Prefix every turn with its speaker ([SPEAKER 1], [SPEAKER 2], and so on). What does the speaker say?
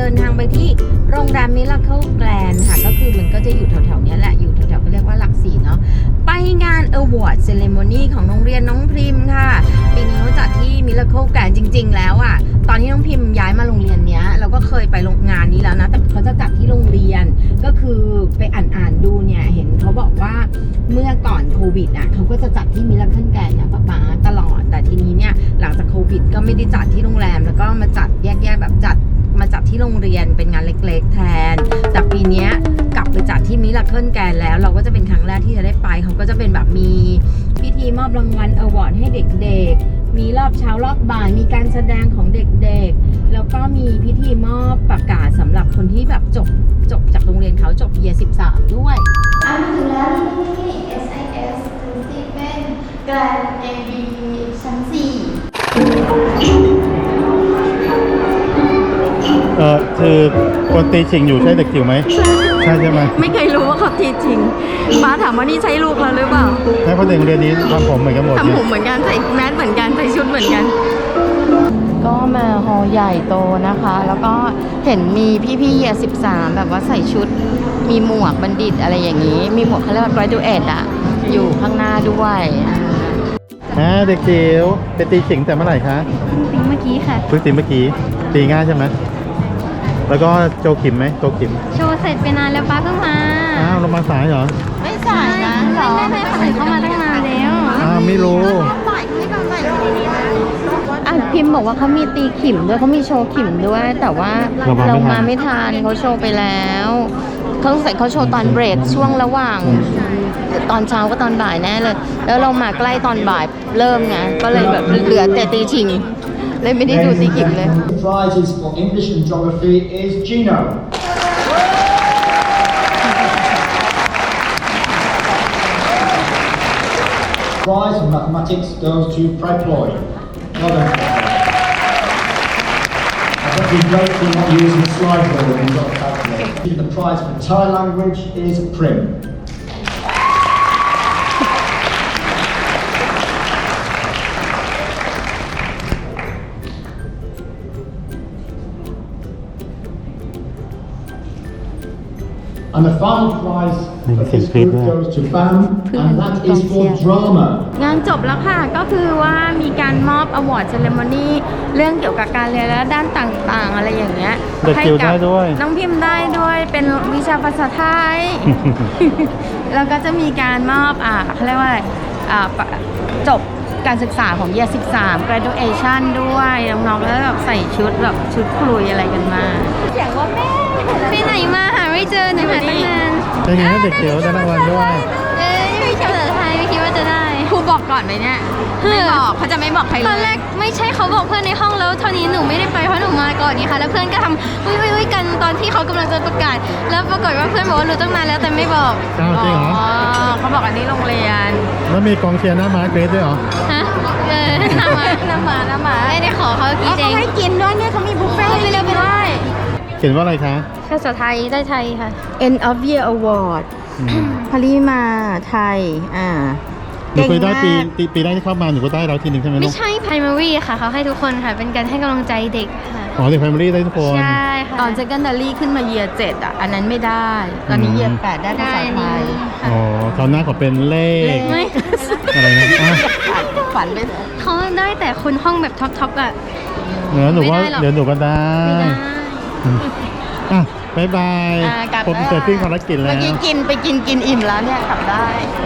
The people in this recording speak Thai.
[SPEAKER 1] ดินทางไปที่โรงแรมมิราเคิลแกรนด์ค่ะก็คือมันก็จะอยู่แถวๆนี้แหละอยู่แถวๆก็เรียกว่าหลักสี่เนาะไปงาน Award Ceremony ของโรงเรียนน้องพริมค่ะปีนี้เขาจัดที่มิราเคิลแกรนด์จริงๆแล้วอ่ะตอนที่น้องพิมย้ายมาโรงเรียนเนี้ยเราก็เคยไปงานนี้แล้วนะแต่เขาจะจัดที่โรงเรียนก็คือไปอ่านดูเนี่ยเห็นเขาบอกว่าเมื่อก่อนโควิดอ่ะเขาก็จะจัดที่มิราเคิลแกรนด์เนี่ยป๊าตลอดแต่ทีนี้เนี่ยหลังจากโควิดก็ไม่ได้จัดที่โรงแรมแล้วก็มาจัดแยกๆแบบมาจัดที่โรงเรียนเป็นงานเล็กๆแทนแต่ปีนี้กลับไปจัดที่มิราเคิลแกรนด์แล้วเราก็จะเป็นครั้งแรกที่จะได้ไปเขาก็จะเป็นแบบมีพิธีมอบรางวัลอวอร์ดให้เด็กๆมีรอบเช้ารอบบ่ายมีการแสดงของเด็กๆแล้วก็มีพิธีมอบประกาศสำหรับคนที่แบบจบจากโรงเรียนเขาจบเยียร์13ด้วย
[SPEAKER 2] ถึงแล้วที่ SIS คือสตีเฟนแกรนด์ AB ชั้น 4
[SPEAKER 3] คือคนตีชิงอยู่ใช่เด็กจิ๋วไหมใช่ไหม
[SPEAKER 1] ไม่เคยรู้ว่าเขาทีจริงป้าถามว่านี่ใช่ลูกเราหรือเปล่า
[SPEAKER 3] ใช่เพราะเด็กโรงเรียนนี้ทำผมเหมือนกันหมด
[SPEAKER 1] ทำผมเหมือนกันใส่แมสเหมือนกันใส่ชุดเหมือนกันก็มาฮอลใหญ่โตนะคะแล้วก็เห็นมีพี่ๆเยียร์13แบบว่าใส่ชุดมีหมวกบัณฑิตอะไรอย่างนี้มีหมวกเขาเรียกว่า graduate อะอยู่ข้างหน้าด้วย
[SPEAKER 3] เด็กจิ๋วไปตีชิงแต่เมื่อไหร่คะ
[SPEAKER 2] ตีเมื่อกี้ค่ะ
[SPEAKER 3] เพิ่งตีเมื่อกี้ตีง่ายใช่ไหมแล้วก็โจขิมไหมโจขิม
[SPEAKER 2] โชว์เสร็จไปนานแล้วป้าเพิ่งมา
[SPEAKER 3] เรามาสายเหรอ
[SPEAKER 2] ไม่สายนะไม่คนอื่นเข้ามาตั้งนานแล้ว
[SPEAKER 3] ไม่รู้
[SPEAKER 1] พิมพ์บอกว่าเขามีตีขิมด้วยเขามีโชว์ขิมด้วยแต่ว่าเรามาไม่ทันเขาโชว์ไปแล้วเขาโชว์ตอนเบรกช่วงระหว่างตอนเช้าก็ตอนบ่ายแน่เลยแล้วเรามาใกล้ตอนบ่ายเริ่มไงก็เลยแบบเหลือแต่ตีชิงเลยไม่ได้ดูตีขิมเลย
[SPEAKER 4] Prizes for English and Geography is Gino. Prize for Mathematics goes to Fred Floyd. Well done. I bet you've greatly not using the slide rule when you've got the calculator. The prize for Thai language is Prim. And the final prize for this group goes to BAM, and that is for drama.
[SPEAKER 1] งานจบแล้วค่ะก็คือว่ามีการมอบ Award Ceremony เรื่องเกี่ยวกับการเรียนและด้านต่างๆอะไรอย่างเงี้ย
[SPEAKER 3] ให้กับ
[SPEAKER 1] น้องพิมพ์ได้ด้วยเป็นวิชาภาษาไทย แล้วก็จะมีการมอบเขาเรียกว่าจบการศึกษาของเยียร์13 graduation ด้วยน้องๆแล้วแบบใส่ชุดแบบชุดคลุยอะไรกันมาเสียงว่าแม่ไปไหนมาหาไม่เจอหนูหาตั้งนาน
[SPEAKER 3] เป็นไงเด็กเดี๋ยวได้รางวัลด้วย
[SPEAKER 2] ไม่ใช่ภาษาไทยไม่คิดว่าจะได้
[SPEAKER 1] ครูบอกก่อนไหมเนี่ยไม่บอกเขาจะไม่บอกใครเลย
[SPEAKER 2] ตอนแรกไม่ใช่เขาบอกเพื่อนในห้องแล้วเท่านี้หนูไม่ได้ไปเพราะหนูมาก่อนนี่ค่ะแล้วเพื่อนก็ทำอุ้ยกันตอนที่เขากำลังจะประกาศแล้วปรากฏว่าเพื่อนบอกว่ารู้ตั้งนานแล้วแต่ไม่บอก
[SPEAKER 3] จริงเหรอ
[SPEAKER 1] เขาบอกอันนี้โรงเรียน
[SPEAKER 3] แล้วมีกองเชียร์หน้าม้าเกรดด้วยเหรอ
[SPEAKER 2] ฮะหน้าม้าไม่ได้ขอเขากินเอง
[SPEAKER 1] เขาให้กินด้วยเนี่ยเขามีบุฟเฟ่ต์ไปเลยด้วย
[SPEAKER 3] เขียนว่าอะไรคะ
[SPEAKER 2] ภาษาไทยได้ไทยค่ะ
[SPEAKER 1] End of Year Award พลิมาไทย
[SPEAKER 3] หนูเคยได้ปีแรกที่เข้ามาหนูก็ได้เราทีหนึ่งใช่ไหมลูก
[SPEAKER 2] ไม่ใช่ primary ค่ะเขาให้ทุกคนค่ะเป็นการให้กำลังใจเด็กค่ะ
[SPEAKER 3] เด็ก primary ได้ทุกคน
[SPEAKER 2] ใช่ค่ะ
[SPEAKER 1] ตอน secondary ขึ้นมา year 7อันนั้นไม่ได้ตอนนี้ year 8ได้ภาษาไทย
[SPEAKER 3] ตอนหน้าขอเป็นเลขอะไรนะ
[SPEAKER 1] ฝันไป
[SPEAKER 2] เขาได้แต่คนห้องแบบท็อป
[SPEAKER 3] หนูว่าเดี๋ยวหนูก็ได้บ๊ายบายผมเสร็จสิ้นภารกิจแล้ว
[SPEAKER 1] เมื่อกี้กินอิ่มแล้วเนี่ยกลับได้